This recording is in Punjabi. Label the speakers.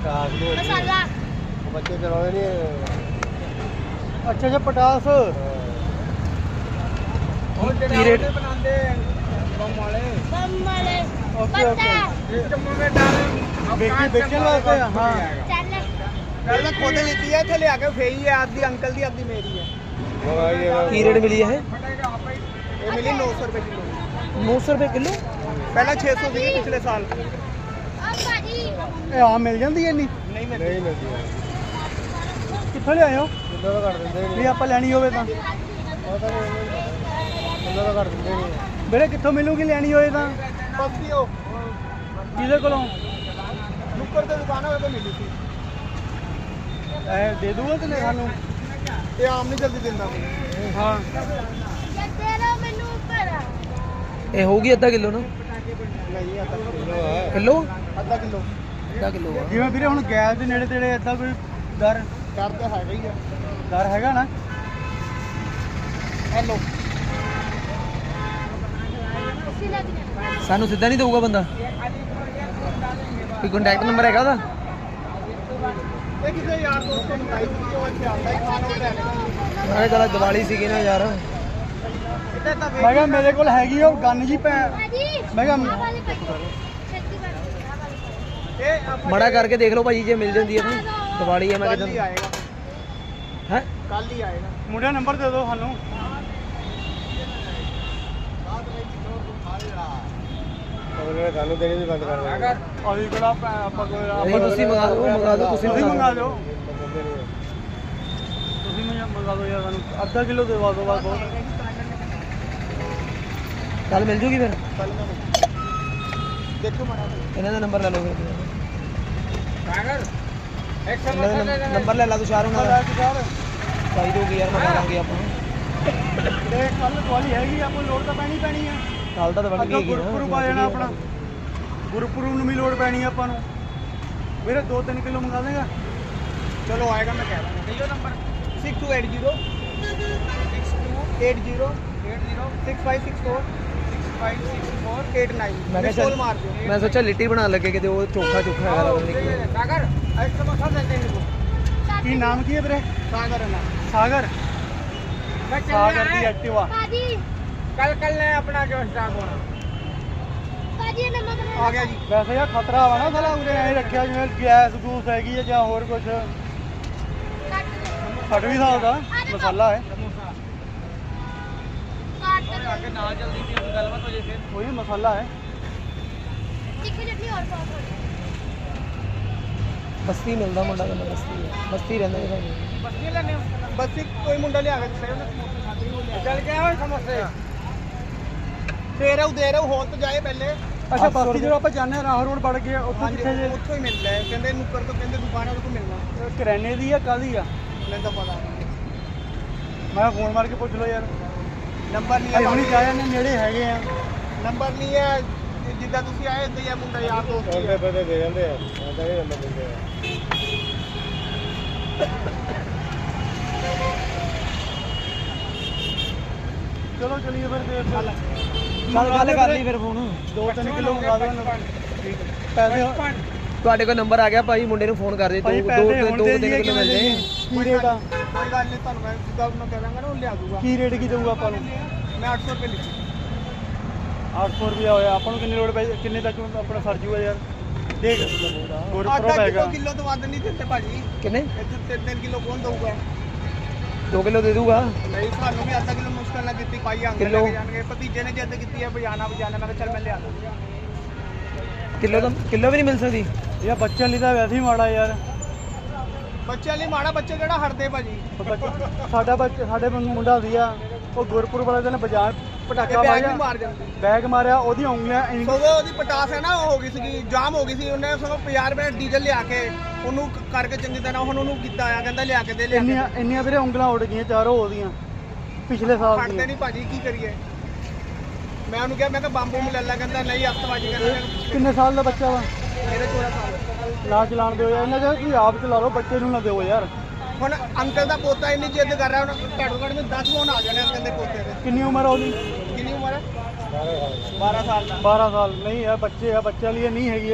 Speaker 1: मसाला
Speaker 2: बच्चे चलाते नहीं।
Speaker 3: अच्छा अच्छा पटास
Speaker 2: की रेट
Speaker 1: बम वाले
Speaker 3: ओके ओके बेचने वास्ते हाँ
Speaker 1: पहले खुद लेती है थे ले आके फेई है आधी अंकल दी आधी मेरी है
Speaker 2: की रेट मिली है?
Speaker 1: ये मिली 900 रुपए किलो
Speaker 2: 900 रुपए किलो।
Speaker 1: पहले 600 थी पिछले साल
Speaker 3: ਇਹ ਆਮ ਮਿਲ ਜਾਂਦੀ ਹੈ ਨਹੀਂ
Speaker 1: नहीं मिलती
Speaker 2: नहीं मिलती है।
Speaker 3: ਕਿੱਥੋਂ ਲਿਆਏ ਹੋ
Speaker 2: किलो तो कर देंगे
Speaker 3: ਵੀ ਆਪਾਂ ਲੈਣੀ ਹੋਵੇ ਤਾਂ
Speaker 2: पता नहीं किलो तो कर देंगे नहीं।
Speaker 3: ਵੀਰੇ ਕਿੱਥੋਂ ਮਿਲੂਗੀ ਲੈਣੀ ਹੋਏ ਤਾਂ
Speaker 1: बस्ती हो
Speaker 3: ਕਿਹਦੇ ਕੋਲੋਂ
Speaker 1: नुक्कड़ ते दुकान होवे तो मिली थी
Speaker 3: ਇਹ ਦੇ ਦੂਗਾ ਤੇ ਸਾਨੂੰ
Speaker 1: ये आम नहीं जल्दी दिंदा कोई
Speaker 3: ਹਾਂ
Speaker 2: ये होगी आधा किलो ना?
Speaker 1: नहीं आधा किलो
Speaker 2: किलो
Speaker 1: आधा किलो
Speaker 2: आधा किलो है।
Speaker 3: ਜਿਵੇਂ ਵੀਰੇ ਹੁਣ ਗੈਸ ਦੇ ਨੇੜੇ ਤੇੜੇ ਏਦਾਂ ਕੋਈ ਡਰ
Speaker 1: डर तो है ही है
Speaker 3: ਡਰ ਹੈਗਾ ਨਾ
Speaker 1: हेलो
Speaker 2: ਸਾਨੂੰ ਸਿੱਧਾ ਨਹੀਂ ਦਊਗਾ ਬੰਦਾ? ਕੋਈ ਕੰਟੈਕਟ ਨੰਬਰ ਹੈਗਾ ਉਹਦਾ?
Speaker 1: ये किसी यार दोस्त को बताई थी कि वो अच्छे आता है खाना उठा लेगा
Speaker 2: ਮੈਂ ਕਿਹਾ ਚੱਲ ਦੀਵਾਲੀ ਸੀਗੀ ਨਾ ਯਾਰ।
Speaker 1: इतना तब
Speaker 3: ਮੈਂ ਕਿਹਾ ਮੇਰੇ ਕੋਲ ਹੈਗੀ ਉਹ ਗੰਨ ਜੀ ਪੈ ਮੈਂ ਕਿਹਾ
Speaker 1: ये
Speaker 2: ਮੜਾ ਕਰਕੇ ਦੇਖ ਲਓ ਭਾਜੀ ਜੇ ਮਿਲ ਜਾਂਦੀ ਹੈ ਤਾਂ ਦੀਵਾਲੀ ਹੈ ਮੈਂ
Speaker 1: कल ही
Speaker 2: ਕਿਹਾ
Speaker 1: आएगा
Speaker 2: ਹੈ।
Speaker 1: कल ही आएगा
Speaker 3: ਮੁੰਡਾ ਨੰਬਰ ਦੇ ਦਿਓ ਸਾਨੂੰ
Speaker 2: ਸਾਨੂੰ ਦੇਣੀ ਵੀ ਬੰਦ ਕਰ ਦੇਣਾ।
Speaker 3: ਅਸੀਂ ਕਿਹੜਾ ਆਪਾਂ ਕੋਈ
Speaker 2: ਨਹੀਂ ਤੁਸੀਂ ਮੰਗਾ ਦਿਓ ਤੁਸੀਂ
Speaker 3: ਤੁਸੀਂ ਮੰਗਾ
Speaker 2: ਦਿਓ।
Speaker 3: ਦਿਓ ਤੁਸੀਂ ਮੈਨੂੰ ਮੰਗਾ ਦਿਓ ਯਾਰ ਸਾਨੂੰ ਅੱਧਾ ਕਿਲੋ ਦੇਵਾ ਦਿਓ ਬਸ ਬਹੁਤ
Speaker 2: ਕੱਲ ਮਿਲ ਜੂਗੀ ਫਿਰ?
Speaker 1: कल मैं देखो मना
Speaker 2: ਇਹਨਾਂ ਦਾ ਨੰਬਰ ਲੈ ਲਓ ਫਿਰ।
Speaker 1: सागर एक
Speaker 2: ਇਹਨਾਂ ਦਾ ਨੰਬਰ ਲੈ ਲਾ ਤੂੰ ਸ਼ਾਹਰੁਖ ਨਾਲ ਚਾਹੀ ਦੋਗੀ ਯਾਰ ਮੰਗਾ ਲਾਂਗੇ ਆਪਾਂ।
Speaker 3: ਤੇ ਕੱਲ ਦਿਵਾਲੀ ਹੈਗੀ ਆਪਾਂ ਲੋੜ ਤਾਂ ਪੈਣੀ ਆ
Speaker 2: ਕੱਲ ਤਾਂ ਬਣ
Speaker 3: ਅੱਗਾ
Speaker 2: ਗਈ
Speaker 3: ਗੁਰਪੁਰਬ ਆ ਜਾਣਾ ਆਪਣਾ ਗੁਰਪੁਰਬ ਨੂੰ ਵੀ ਲੋੜ ਪੈਣੀ ਆ ਆਪਾਂ ਨੂੰ ਵੀਰੇ 2-3 ਕਿਲੋ ਮੰਗਾ ਦੇਗਾ
Speaker 1: चलो आएगा मैं कह रहा हूँ यो नंबर 6280 6564 6564
Speaker 2: ਮੈਂ
Speaker 1: 89
Speaker 2: ਕਿਹਾ
Speaker 1: कॉल मार दो
Speaker 2: ਮੈਂ ਸੋਚਿਆ ਲਿੱਟੀ ਬਣਾਉਣ ਲੱਗੇ ਕਿਤੇ ਉਹ ਚੋਖਾ ਚੋਖਾ ਹੈਗਾ ਲੱਗਦਾ ਨਹੀਂ।
Speaker 1: सागर एक समोसा देते हैं इनको
Speaker 3: ਕੀ ਨਾਮ ਕੀ ਹੈ ਵੀਰੇ
Speaker 1: सागर है ना
Speaker 3: ਸਾਗਰ
Speaker 1: मैं
Speaker 3: ਸਾਗਰ ਦੀ ਐਕਟਿਵਾ
Speaker 1: कल ने अपना जो स्टॉक होना आ गया जी
Speaker 3: ਵੈਸੇ ਯਾਰ ਖਤਰਾ ਵਾ ਨਾ ਸਾਲਾ ਉਰੇ ਐ ਰੱਖਿਆ ਜਿਵੇਂ ਗੈਸ ਗੂਸ ਹੈਗੀ ਹੈ ਜਾਂ ਹੋਰ ਕੁਝ ਫਟ ਵੀ ਸਕਦਾ ਮਸਾਲਾ ਹੈ
Speaker 1: आगे ना जल्दी से गलबात हो जाए फिर
Speaker 3: ਕੋਈ ਮਸਾਲਾ ਹੈ
Speaker 2: ਬਸਤੀ ਮਿਲਦਾ ਮੁੰਡਾ ਕਹਿੰਦਾ ਬਸਤੀ ਰਹਿੰਦਾ ਜੀ ਭਾਜੀ।
Speaker 1: बस ये लेने बस एक कोई मुंडा ले आ गया सही ना समोसे खाते ही वो ले चल के आओ समोसे दे रहे हो होल तो जाए पहले
Speaker 3: ਅੱਛਾ ਬਸਤੀ ਜਦੋਂ ਆਪਾਂ ਜਾਂਦੇ ਹਾਂ ਰਾਹ ਰੋਡ ਵੜ ਕੇ ਉੱਥੋਂ
Speaker 1: हाँ जी
Speaker 3: ਕਿੱਥੇ ਜੇ
Speaker 1: उत्थों ही मिलता है कहते नुक्कड़ तो कहते दुकान है उसको मिलना
Speaker 3: ਕਰਿਆਨੇ ਦੀ ਆ ਕਾਹਦੀ ਆ
Speaker 1: मैंने तो पता
Speaker 3: ਮੈਂ ਫੋਨ ਮਾਰ ਕੇ ਪੁੱਛ ਲਓ ਯਾਰ
Speaker 1: नंबर नहीं
Speaker 3: ਅਸੀਂ ਹੁਣੀ
Speaker 1: है
Speaker 3: ਜਾ ਜਾਂਦੇ ਨੇੜੇ ਹੈਗੇ ਆ
Speaker 1: नंबर नहीं है जिद्दां तुसी आए इदां ही मुंडा यार दोस्त ही है
Speaker 2: ਪਤਾ ਦੇ ਜਾਂਦੇ ਆ ਆਦਾ ਹੀ ਨੰਬਰ ਦਿੰਦੇ ਆ।
Speaker 3: ਚਲੋ ਚਲੀਏ ਫਿਰ ਦੇਰ ਚੱਲ
Speaker 2: ਚੱਲ ਗੱਲ ਕਰ ਲਈ ਫਿਰ ਫੋਨ।
Speaker 3: 2-3 ਕਿਲੋ ਮੰਗਾ ਦਿਓ ਪੈਸੇ
Speaker 2: ਤੁਹਾਡੇ ਕੋਲ ਨੰਬਰ ਆ ਗਿਆ ਭਾਈ ਮੁੰਡੇ ਨੂੰ ਫੋਨ ਕਰ ਦੇ
Speaker 3: ਭਾਈ
Speaker 2: ਦੋ
Speaker 3: ਪੈਸੇ ਹੁਣ
Speaker 2: ਦੋ
Speaker 3: ਦੇ
Speaker 2: ਤਿੰਨ ਕਿਲੋ ਮਿਲ ਜਾਏ।
Speaker 3: ਕੀ ਰੇਟ ਆ
Speaker 1: कोई गल नहीं ਤੁਹਾਨੂੰ ਮੈਂ ਜਿੱਦਾਂ ਮੈਂ ਕਹਿ ਦਾਂਗਾ ਨਾ ਉਹ ਲਿਆ ਦੂਗਾ
Speaker 3: ਕੀ ਰੇਟ ਕੀ ਦਊਗਾ ਆਪਾਂ ਨੂੰ
Speaker 1: ਮੈਂ 800 ਰੁਪਏ ਲਿਖੀ
Speaker 3: 800 ਰੁਪਇਆ ਹੋਇਆ ਆਪਾਂ ਨੂੰ ਕਿੰਨੀ ਲੋੜ ਪਈ ਕਿੰਨੇ ਤੱਕ ਆਪਣਾ ਸਰ ਜੂਗਾ ਯਾਰ ਦੇਖ ਗੁਰਪੁਰਬ
Speaker 1: ਆਧਾ
Speaker 3: ਹੈਗਾ
Speaker 1: ਕਿਲੋ ਤੋਂ ਵੱਧ ਨਹੀਂ ਦਿੰਦੇ ਭਾਜੀ
Speaker 2: ਕਿੰਨੇ?
Speaker 1: ਇੱਥੇ 3 ਕਿਲੋ ਕੌਣ ਦਊਗਾ
Speaker 2: 2 ਕਿਲੋ ਦੇ ਦੂਗਾ।
Speaker 1: ਨਹੀਂ ਸਾਨੂੰ ਵੀ ਅੱਧਾ ਕਿਲੋ ਮੁਸ਼ਕਲ ਨਾਲ ਦਿੱਤੀ ਪਾਈ ਆਂਗੇ
Speaker 2: ਕਿੱਲੋ?
Speaker 1: ਲੈ ਕੇ ਜਾਣਗੇ ਭਤੀਜੇ ਨੇ ਜਿੱਦ ਕੀਤੀ ਹੈ ਬਜਾਣਾ ਮੈਂ ਕਿਹਾ ਚੱਲ ਮੈਂ ਲਿਆ ਦੂੰਗਾ
Speaker 2: ਕਿਲੋ ਤਾਂ ਕਿਲੋ ਵੀ ਨਹੀਂ ਮਿਲ ਸਕਦੀ।
Speaker 3: ਇਹ ਬੱਚਿਆਂ ਲਈ ਤਾਂ ਵੈਸੇ ਹੀ ਮਾੜਾ ਯਾਰ
Speaker 1: ਬੱਚਿਆਂ ਲਈ ਮਾੜਾ ਬੱਚੇ ਕਿਹੜਾ ਹਟਦੇ ਭਾਜੀ
Speaker 3: ਸਾਡਾ ਸਾਡੇ ਮੁੰਡਾ ਸੀਗਾ ਉਹ ਗੁਰਪੁਰਬ ਵਾਲੇ ਦਿਨ ਬਾਜ਼ਾਰ ਪਟਾਕਾ
Speaker 1: ਬੈਗ ਵੀ
Speaker 3: ਮਾਰਿਆ
Speaker 1: ਮਾਰ ਜਾਂਦੀ
Speaker 3: ਬੈਗ ਮਾਰਿਆ ਉਹਦੀਆਂ ਉਂਗਲੀਆਂ
Speaker 1: ਸਗੋਂ ਉਹਦੀ ਪਟਾਸ ਹੈ ਨਾ ਉਹ ਹੋ ਗਈ ਸੀਗੀ ਜਾਮ ਹੋ ਗਈ ਸੀ ਉਹਨੇ ਸਗੋਂ 50 ਰੁਪਏ ਡੀਜ਼ਲ ਲਿਆ ਕੇ ਉਹਨੂੰ ਕਰਕੇ ਚੰਗੀ ਤਰ੍ਹਾਂ ਹੁਣ ਉਹਨੂੰ ਕੀਤਾ ਆ ਕਹਿੰਦਾ ਲਿਆ ਕੇ ਦੇ ਲਿਆ ਕੇ ਦੇ।
Speaker 3: ਇੰਨੀਆਂ ਵੀਰੇ ਉਂਗਲਾਂ ਉੱਡ ਗਈਆਂ ਚਾਰੋਂ ਉਹਦੀਆਂ ਪਿਛਲੇ ਸਾਲ
Speaker 1: ਹਟਦੇ
Speaker 3: ਦੀਆਂ
Speaker 1: ਨਹੀਂ ਭਾਜੀ ਕੀ ਕਰੀਏ ਮੈਂ ਉਹਨੂੰ ਕਿਹਾ ਮੈਂ ਕਿਹਾ ਬੰਬੂ ਨੂੰ ਲੈ ਲੈ ਕਹਿੰਦਾ ਨਹੀਂ ਹੱਥਵਾਜੀ ਕਹਿੰਦਾ
Speaker 3: ਕਿੰਨੇ ਸਾਲ ਦਾ ਬੱਚਾ ਵਾ
Speaker 1: ਮੇਰੇ 14 ਸਾਲ
Speaker 3: ਨਾ ਚਲਾਣ ਦਿਓ ਯਾਰ ਇਹਨਾਂ ਦਾ ਤੁਸੀਂ ਆਪ ਚਲਾ ਲਓ ਬੱਚੇ ਨੂੰ ਨਾ ਦਿਓ ਯਾਰ
Speaker 1: ਹੁਣ ਅੰਕਲ ਦਾ ਪੋਤਾ ਇੰਨੀ ਜਿੱਦ ਕਰ ਰਿਹਾ ਹੁਣ ਘੱਟੋ ਘੱਟ ਮੈਨੂੰ 10 ਫੋਨ ਆ ਜਾਣੇ ਅੰਕਲ ਦੇ ਪੋਤੇ ਦੇ
Speaker 3: ਕਿੰਨੀ ਉਮਰ ਆ ਉਹਦੀ
Speaker 1: ਕਿੰਨੀ ਉਮਰ ਹੈ 12 ਸਾਲ ਦਾ
Speaker 3: 12 ਸਾਲ ਨਹੀਂ ਆ ਬੱਚੇ ਆ ਬੱਚਿਆਂ ਲਈ ਇਹ ਨਹੀਂ ਹੈਗੀ